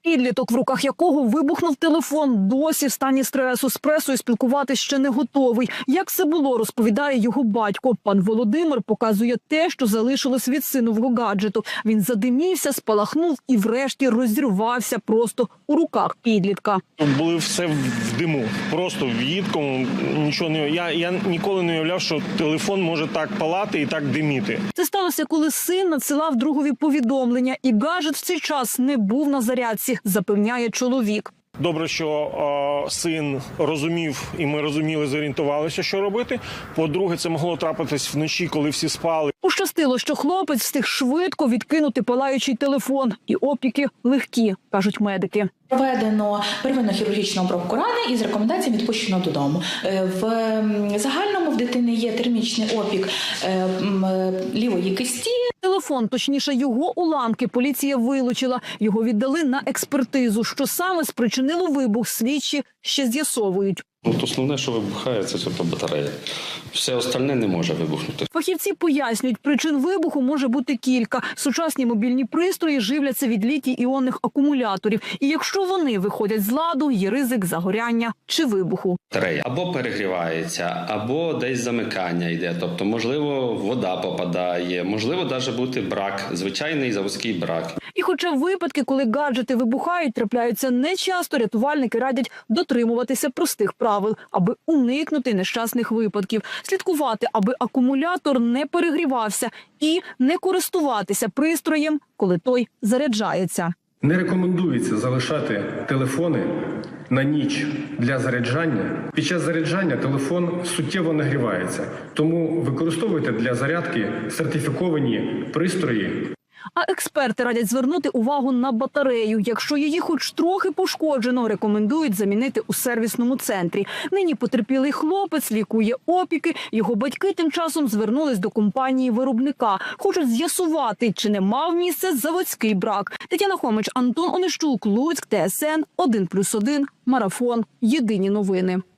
Підліток, в руках якого вибухнув телефон, досі в стані стресу, з пресою спілкуватися ще не готовий. Як це було, розповідає його батько. Пан Володимир показує те, що залишилось від синового гаджету. Він задимівся, спалахнув і врешті розірвався просто у руках підлітка. Були все в диму, просто в їдкому, нічого не... Я ніколи не уявляв, що телефон може так палати і так диміти. Це сталося, коли син надсилав другові повідомлення, і гаджет в цей час не був на зарядці, запевняє чоловік. Добре, що син розумів, і ми розуміли, зорієнтувалися, що робити. По-друге, це могло трапитись вночі, коли всі спали. Пощастило, що хлопець встиг швидко відкинути палаючий телефон. І опіки легкі, кажуть медики. Проведено первинну хірургічну обробку рани і з рекомендаціями відпущено додому. В загальному в дитини є термічний опік лівої кисті. Телефон, точніше його уламки, поліція вилучила. Його віддали на експертизу. Що саме спричинило вибух, слідчі ще з'ясовують. Основне, що вибухає, це батарея. Все остальне не може вибухнути. Фахівці пояснюють, причин вибуху може бути кілька. Сучасні мобільні пристрої живляться від літій-іонних акумуляторів. І якщо вони виходять з ладу, є ризик загоряння чи вибуху. Батарея або перегрівається, або десь замикання йде. Тобто, можливо, вода попадає, можливо, навіть бути брак, звичайний заводський брак. І хоча випадки, коли гаджети вибухають, трапляються нечасто, рятувальники радять дотримуватися простих правил, аби уникнути нещасних випадків. Слідкувати, аби акумулятор не перегрівався, і не користуватися пристроєм, коли той заряджається. Не рекомендується залишати телефони на ніч для заряджання. Під час заряджання телефон суттєво нагрівається, тому використовуйте для зарядки сертифіковані пристрої. А експерти радять звернути увагу на батарею. Якщо її хоч трохи пошкоджено, рекомендують замінити у сервісному центрі. Нині потерпілий хлопець лікує опіки. Його батьки тим часом звернулись до компанії-виробника. Хочуть з'ясувати, чи не мав місце заводський брак. Тетяна Хомич, Антон Онищук, Луцьк, ТСН 1+1, Марафон. Єдині новини.